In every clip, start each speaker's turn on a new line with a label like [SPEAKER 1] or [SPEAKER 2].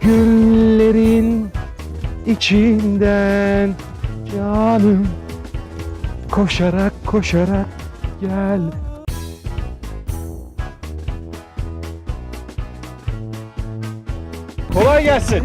[SPEAKER 1] Güllerin içinden canım, koşarak koşarak gel. Kolay gelsin.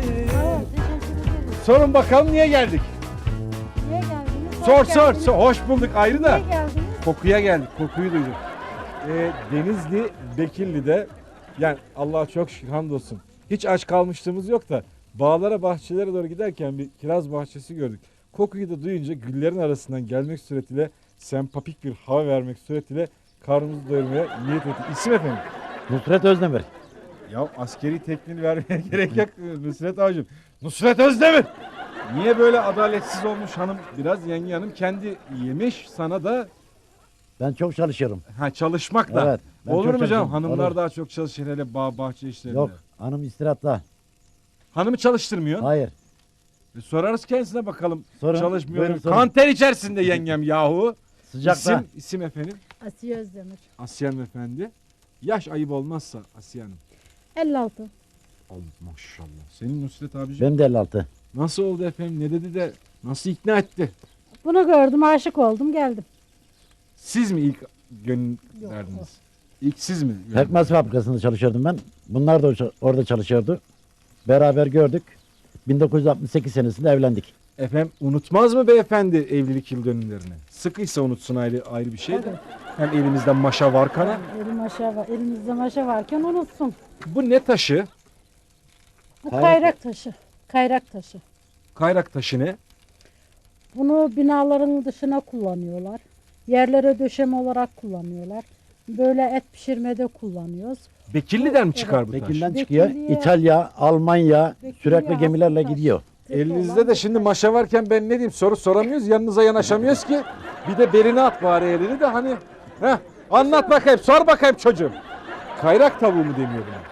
[SPEAKER 1] Sorun bakalım niye geldik?
[SPEAKER 2] Niye geldiniz?
[SPEAKER 1] Sor. Hoş bulduk ayrı da.
[SPEAKER 2] Niye geldiniz?
[SPEAKER 1] Kokuya geldik. Kokuyu duyduk. Denizli, Bekirli'de yani Allah'a çok şükür hamdolsun. Hiç aç kalmışlığımız yok da bağlara, bahçelere doğru giderken bir kiraz bahçesi gördük. Kokuyu da duyunca güllerin arasından gelmek suretiyle sempapik bir hava vermek suretiyle karnımızı doyurmaya niyet ettik. İsim efendim?
[SPEAKER 3] Nusret Özdemir.
[SPEAKER 1] Ya askeri tekniğini vermeye gerek yok Nusret Avcım. Nusret Özdemir! Niye böyle adaletsiz olmuş hanım? Biraz yenge hanım kendi yemiş, sana da
[SPEAKER 3] Ben çok çalışıyorum.
[SPEAKER 1] çalışmak da.
[SPEAKER 3] Evet. ben
[SPEAKER 1] Olur
[SPEAKER 3] çok
[SPEAKER 1] mu canım?
[SPEAKER 3] çalışıyorum.
[SPEAKER 1] Hanımlar
[SPEAKER 3] Olur.
[SPEAKER 1] daha çok çalışır hele bağ bahçe işlerinde.
[SPEAKER 3] Yok, hanım istirahatta.
[SPEAKER 1] Hanımı çalıştırmıyor.
[SPEAKER 3] Hayır.
[SPEAKER 1] Sorarız kendisine bakalım.
[SPEAKER 3] Sorun,
[SPEAKER 1] Çalışmıyor.
[SPEAKER 3] buyurun sorun.
[SPEAKER 1] Kanter içerisinde yengem yahu.
[SPEAKER 3] Sıcakta.
[SPEAKER 1] İsim efendim?
[SPEAKER 2] Asiye Özdemir.
[SPEAKER 1] Asiye Hanım efendi. Yaş ayıp olmazsa Asiye Hanım.
[SPEAKER 2] 56.
[SPEAKER 1] Allah maşallah. Senin Nusret abiciğim
[SPEAKER 3] Benim de 56.
[SPEAKER 1] nasıl oldu efendim? Ne dedi de nasıl ikna etti?
[SPEAKER 2] Bunu gördüm, aşık oldum, geldim.
[SPEAKER 1] Siz mi ilk gönül
[SPEAKER 2] Yok,
[SPEAKER 1] verdiniz? İlk siz mi?
[SPEAKER 3] Pekmez fabrikasında çalışıyordum ben. Bunlar da orada çalışıyordu. Beraber gördük. 1968 senesinde evlendik.
[SPEAKER 1] Efendim unutmaz mı beyefendi evlilik yıl dönümlerini? Sıkıysa unutsun ayrı bir şey de.
[SPEAKER 2] Tabii.
[SPEAKER 1] Hem elimizde maşa var kana.
[SPEAKER 2] Elimizde maşa varken unutsun.
[SPEAKER 1] Bu ne taşı?
[SPEAKER 2] Bu
[SPEAKER 3] Kayrak.
[SPEAKER 2] kayrak taşı. Kayrak taşı.
[SPEAKER 1] Kayrak taşı ne?
[SPEAKER 2] Bunu binaların dışına kullanıyorlar. Yerlere döşeme olarak kullanıyorlar. Böyle et pişirmede kullanıyoruz.
[SPEAKER 1] Bekirli'den mi çıkar bu taş?
[SPEAKER 3] Bekir'den çıkıyor.
[SPEAKER 2] Bekirli'ye-
[SPEAKER 3] İtalya, Almanya
[SPEAKER 2] Bekirli'ye
[SPEAKER 3] sürekli gemilerle
[SPEAKER 2] has bir taş.
[SPEAKER 3] gidiyor.
[SPEAKER 1] Elinizde de şimdi maşa varken ben ne diyeyim soru soramıyoruz. Yanınıza yanaşamıyoruz ki. Bir de beline at bari elini de hani. Heh, anlat bakayım, sor bakayım çocuğum. Kayrak tavuğu mu deniyor buna?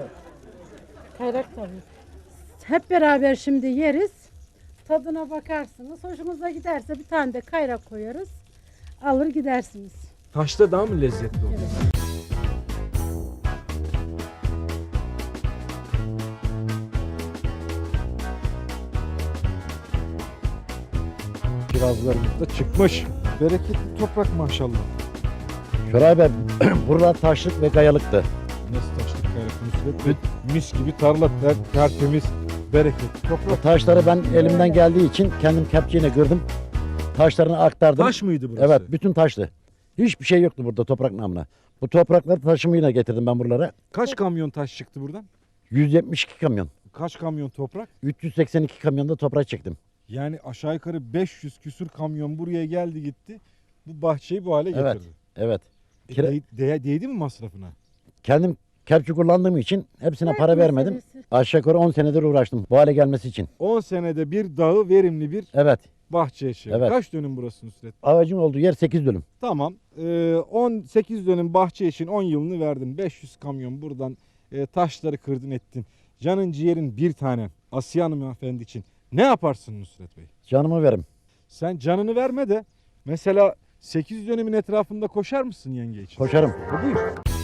[SPEAKER 2] Kayrak tabii. Hep beraber şimdi yeriz. Tadına bakarsınız. Hoşunuza giderse bir tane de kayrak koyarız. Alır gidersiniz.
[SPEAKER 1] Taşta daha mı lezzetli oluyor?
[SPEAKER 2] Evet.
[SPEAKER 1] Kirazlarımız da çıkmış. Bereketli toprak maşallah.
[SPEAKER 3] Şuray Bey, buralar taşlık ve kayalıktı.
[SPEAKER 1] Nasıl taşlık kayrak Nusret? Mis gibi tarla tertemiz, bereketli
[SPEAKER 3] O
[SPEAKER 1] toprak.
[SPEAKER 3] taşları ben elimden geldiği için kendim kepçeyle kırdım. Taşlarını aktardım.
[SPEAKER 1] Taş mıydı burası?
[SPEAKER 3] Evet, bütün taşlı. Hiçbir şey yoktu burada toprak namına. Bu toprakları taşımıyla getirdim ben buralara.
[SPEAKER 1] Kaç kamyon taş çıktı buradan?
[SPEAKER 3] 172 kamyon.
[SPEAKER 1] Kaç kamyon toprak?
[SPEAKER 3] 382 kamyonda toprak çektim.
[SPEAKER 1] Yani aşağı yukarı 500 küsür kamyon buraya geldi gitti. Bu bahçeyi bu hale
[SPEAKER 3] Evet.
[SPEAKER 1] getirdi.
[SPEAKER 3] Evet. Kira-
[SPEAKER 1] Değdi mi masrafına?
[SPEAKER 3] Kendim kepçe kullandığım için hepsine
[SPEAKER 2] Evet,
[SPEAKER 3] para vermedim.
[SPEAKER 2] meselesi.
[SPEAKER 3] Aşağı yukarı 10 senedir uğraştım bu hale gelmesi için.
[SPEAKER 1] 10 senede bir dağı verimli bir
[SPEAKER 3] Evet.
[SPEAKER 1] bahçeye çevir.
[SPEAKER 3] Evet.
[SPEAKER 1] Kaç dönüm burası Nusret?
[SPEAKER 3] Ağacın olduğu yer 8 dönüm.
[SPEAKER 1] Tamam. 18 dönüm bahçe için 10 yılını verdin. 500 kamyon buradan taşları kırdın ettin. Canın ciğerin bir tane Asiye Hanımefendi için ne yaparsın Nusret Bey?
[SPEAKER 3] Canımı verim.
[SPEAKER 1] Sen canını verme de mesela 8 dönümün etrafında koşar mısın yenge için?
[SPEAKER 3] Koşarım.
[SPEAKER 1] Buyur.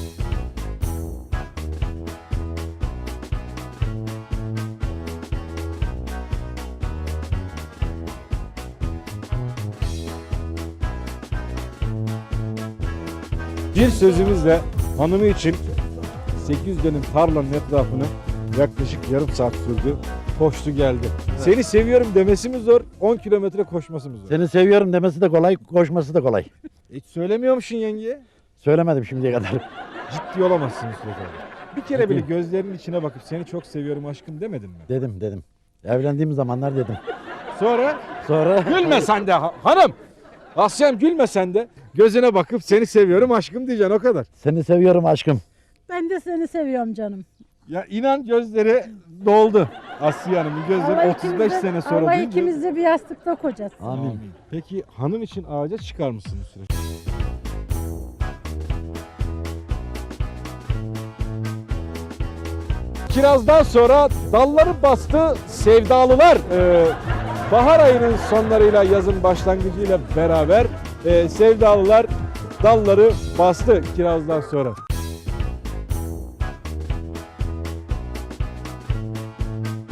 [SPEAKER 1] Bir sözümüzle hanımı için 8 dönüm tarlanın etrafını yaklaşık yarım saat sürdü. Koştu geldi. Seni seviyorum demesi mi zor, 10 kilometre koşması mı zor?
[SPEAKER 3] Seni seviyorum demesi de kolay, koşması da kolay.
[SPEAKER 1] Hiç söylemiyormuşsun yengeye.
[SPEAKER 3] Söylemedim şimdiye kadar.
[SPEAKER 1] Ciddi olamazsın Nusret abi. Bir kere bile gözlerinin içine bakıp seni çok seviyorum aşkım demedin mi?
[SPEAKER 3] Dedim. Evlendiğim zamanlar dedim.
[SPEAKER 1] Sonra
[SPEAKER 3] Sonra
[SPEAKER 1] gülme sen de hanım. Asya'm gülme sen de. Gözüne bakıp seni seviyorum aşkım diyeceksin o kadar.
[SPEAKER 3] seni seviyorum aşkım.
[SPEAKER 2] Ben de seni seviyorum canım.
[SPEAKER 1] Ya inan gözleri doldu. Asya Hanım'ın gözleri
[SPEAKER 2] Allah
[SPEAKER 1] 35
[SPEAKER 2] ikimiz de-
[SPEAKER 1] sene sonra
[SPEAKER 2] Allah
[SPEAKER 1] duyunca-
[SPEAKER 2] ikimiz de bir yastıkta kocası.
[SPEAKER 3] Amin.
[SPEAKER 1] Peki hanım için ağaca çıkar mısın Nusret? Kirazdan sonra dalları bastı sevdalılar. Bahar ayının sonlarıyla yazın başlangıcıyla beraber sevdalılar dalları bastı kirazdan sonra.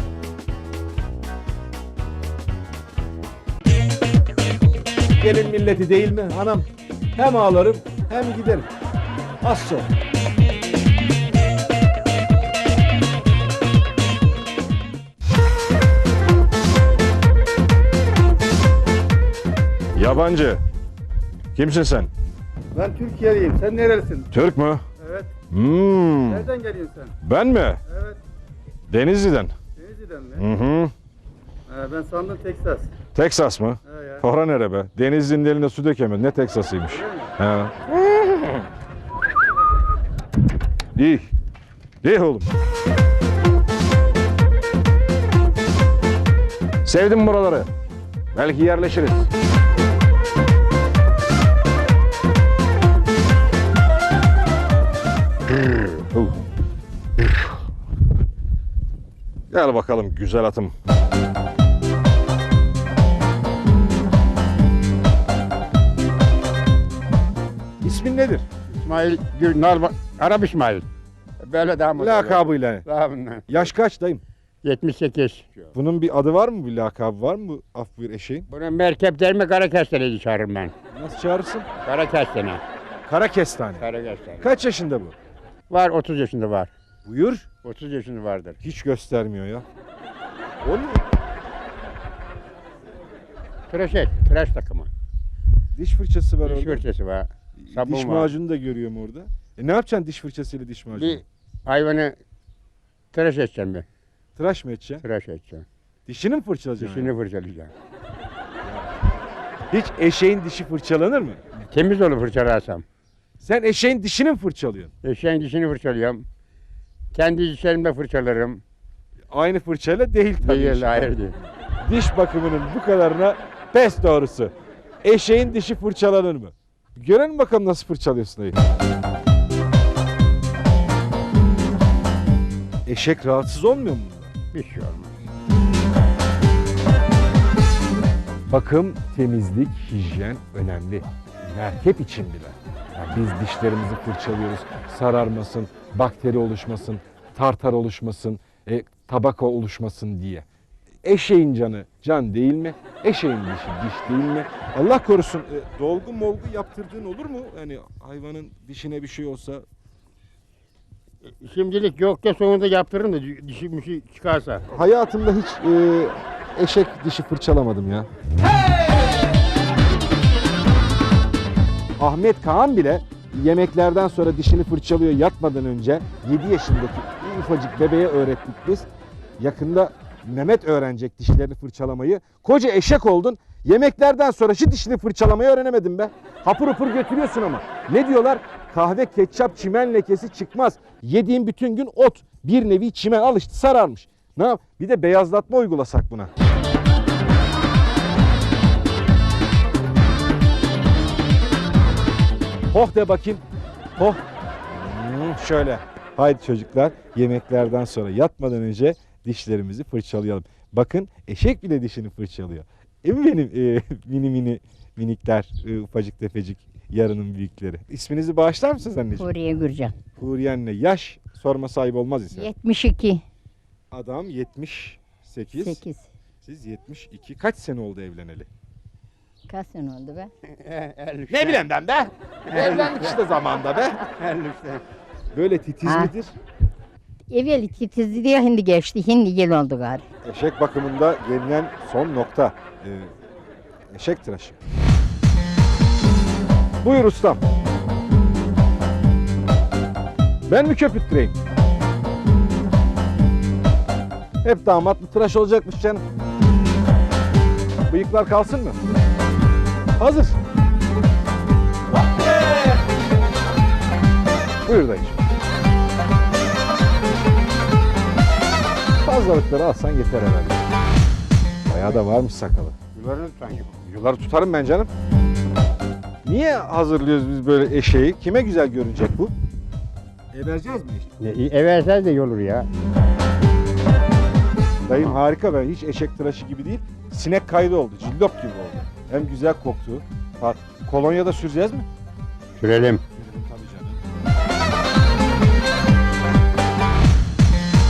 [SPEAKER 1] gelin milleti değil mi anam? Hem ağlarım hem giderim. Az sonra. Yabancı. Kimsin sen?
[SPEAKER 4] Ben Türkiye'liyim. Sen nerelisin?
[SPEAKER 1] Türk mü?
[SPEAKER 4] Evet.
[SPEAKER 1] Nereden
[SPEAKER 4] geliyorsun sen?
[SPEAKER 1] Ben mi?
[SPEAKER 4] Evet.
[SPEAKER 1] Denizli'den.
[SPEAKER 4] Denizli'den mi?
[SPEAKER 1] Hı.
[SPEAKER 4] Ben sandım Teksas.
[SPEAKER 1] Teksas mı?
[SPEAKER 4] He ya.
[SPEAKER 1] Ora nere be? Denizli'nin eline su dökemedi. Ne Teksas'ıymış? He. İyi. İyi oğlum. Sevdim buraları. Belki yerleşiriz. Gel bakalım güzel atım. İsmin nedir?
[SPEAKER 5] İsmail Gürnal, Arap İsmail. Böyle daha mı?
[SPEAKER 1] Lakabıyla.
[SPEAKER 5] Lakabıyla.
[SPEAKER 1] Yaş kaç dayım?
[SPEAKER 5] 78.
[SPEAKER 1] Bunun bir adı var mı? Bir lakabı var mı bu af buyur eşeğin?
[SPEAKER 5] Bunu merkep değil mi Karakestene'yi çağırırım ben.
[SPEAKER 1] Nasıl çağırırsın?
[SPEAKER 5] Karakestene.
[SPEAKER 1] Kara kestane.
[SPEAKER 5] Karakestene.
[SPEAKER 1] Kaç yaşında bu?
[SPEAKER 5] Var 30 yaşında var.
[SPEAKER 1] Buyur.
[SPEAKER 5] 30 yaşında vardır.
[SPEAKER 1] Hiç göstermiyor ya. O ne?
[SPEAKER 5] Tıraş takımı.
[SPEAKER 1] Diş fırçası var
[SPEAKER 5] Diş
[SPEAKER 1] orada.
[SPEAKER 5] fırçası var. Sabun
[SPEAKER 1] Diş
[SPEAKER 5] var.
[SPEAKER 1] macunu da görüyorum orada. Ne yapacaksın diş fırçasıyla diş macunu?
[SPEAKER 5] Bir hayvanı tıraş edeceğim ben.
[SPEAKER 1] Tıraş mı edeceksin?
[SPEAKER 5] Tıraş edeceğim.
[SPEAKER 1] Dişini mi fırçalayacaksın?
[SPEAKER 5] Dişini fırçalayacağım.
[SPEAKER 1] Hiç eşeğin dişi fırçalanır mı?
[SPEAKER 5] Temiz olur fırçalarsam.
[SPEAKER 1] Sen eşeğin dişini mi fırçalıyorsun?
[SPEAKER 5] Eşeğin dişini fırçalıyorum. Kendi dişlerimle fırçalarım.
[SPEAKER 1] Aynı fırçayla değil tabii.
[SPEAKER 5] Değil,
[SPEAKER 1] işte.
[SPEAKER 5] hayır değil.
[SPEAKER 1] Diş bakımının bu kadarına pes doğrusu. Eşeğin dişi fırçalanır mı? Görelim bakalım nasıl fırçalıyorsun dayı. Eşek rahatsız olmuyor mu bundan?
[SPEAKER 5] Bir şey olmaz.
[SPEAKER 1] Bakım, temizlik, hijyen önemli. Merkep için bile. Yani biz dişlerimizi fırçalıyoruz. Sararmasın, bakteri oluşmasın, tartar oluşmasın, tabaka oluşmasın diye. Eşeğin canı can değil mi? Eşeğin dişi diş değil mi? Allah korusun dolgu molgu yaptırdığın olur mu? Yani hayvanın dişine bir şey olsa.
[SPEAKER 5] Şimdilik yok ya sonunda yaptırırım da dişi bir şey çıkarsa.
[SPEAKER 1] Hayatımda hiç eşek dişi fırçalamadım ya. Ahmet Kaan bile yemeklerden sonra dişini fırçalıyor yatmadan önce. 7 yaşındaki ufacık bebeğe öğrettik biz. Yakında Mehmet öğrenecek dişlerini fırçalamayı. Koca eşek oldun. Yemeklerden sonra şu dişini fırçalamayı öğrenemedin be. Hapur hapur götürüyorsun ama. Ne diyorlar? Kahve, ketçap, çimen lekesi çıkmaz. Yediğin bütün gün ot. Bir nevi çimen al işte sararmış. Ne yap? Bir de beyazlatma uygulasak buna. Hoh de bakayım. Hoh. Şöyle. Haydi çocuklar yemeklerden sonra yatmadan önce dişlerimizi fırçalayalım. Bakın eşek bile dişini fırçalıyor. Benim minikler, ufacık tefecik yarının büyükleri. İsminizi bağışlar mısınız anneciğim?
[SPEAKER 6] Huriye Gürcan.
[SPEAKER 1] Huriye anne. Yaş sorma sahibi olmaz ise.
[SPEAKER 6] 72.
[SPEAKER 1] Adam 78.
[SPEAKER 6] 8.
[SPEAKER 1] Siz 72. Kaç sene oldu evleneli?
[SPEAKER 6] Kaç sene oldu be?
[SPEAKER 1] Ne bileyim ben be? Evlendik işte zamanda be. Böyle titiz
[SPEAKER 6] Ha.
[SPEAKER 1] midir?
[SPEAKER 6] Evvel titizdi diye hindi geçti. Hindi yıl oldu gari.
[SPEAKER 1] Eşek bakımında gelinen son nokta. Eşek tıraşı. Buyur ustam. Ben mi köpürttüreyim? Hep damatlı tıraş olacakmış canım. Bıyıklar kalsın mı? Hazır. Buyur dayıcığım. Fazlalıkları alsan yeter herhalde. Bayağı da varmış sakalı.
[SPEAKER 5] Yularını tutan yok.
[SPEAKER 1] Yuları tutarım ben canım. Niye hazırlıyoruz biz böyle eşeği? Kime güzel görünecek bu? Vereceğiz mi eşeği?
[SPEAKER 5] Eversel de iyi olur ya.
[SPEAKER 1] Dayım harika, ben hiç eşek tıraşı gibi değil. Sinek kaydı oldu, cillop gibi oldu. Hem güzel koktu. Kolonya da süreceğiz mi?
[SPEAKER 5] Sürelim.
[SPEAKER 1] Tabii canım.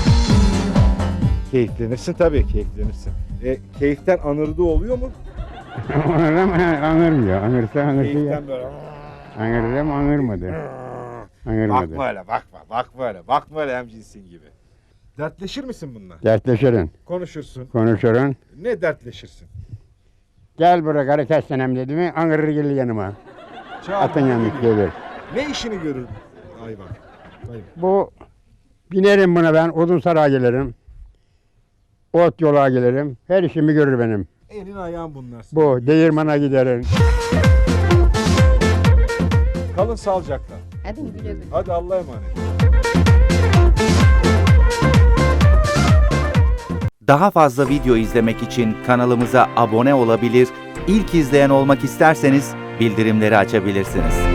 [SPEAKER 1] Keyiflenirsin tabii, keyiflenirsin. Keyiften anırdığı oluyor mu?
[SPEAKER 5] Anırım, anırmıyor. Anırsa anırsa ya.
[SPEAKER 1] Keyiften böyle.
[SPEAKER 5] Anırım, anırmadı. Anırmadı.
[SPEAKER 1] Bakma öyle, bakma. Bakma öyle. Bakma öyle hemcinsin gibi. Dertleşir misin bununla?
[SPEAKER 5] Dertleşirin,
[SPEAKER 1] Konuşursun.
[SPEAKER 5] konuşurun.
[SPEAKER 1] Ne dertleşirsin?
[SPEAKER 5] Gel buraya karı kessenem dedi mi, anırır gelir yanıma. Atın yanlış gelir.
[SPEAKER 1] Ne işini görür hayvan?
[SPEAKER 5] Bu, binerim buna ben, odun saraya gelirim. Ot yola gelirim. Her işimi görür benim.
[SPEAKER 1] Elin ayağın bunlar.
[SPEAKER 5] Bu, değirmana giderim.
[SPEAKER 1] Kalın sağlıcakla.
[SPEAKER 6] Hadi güle güle.
[SPEAKER 1] Hadi Allah'a emanet.
[SPEAKER 7] Daha fazla video izlemek için kanalımıza abone olabilir, ilk izleyen olmak isterseniz bildirimleri açabilirsiniz.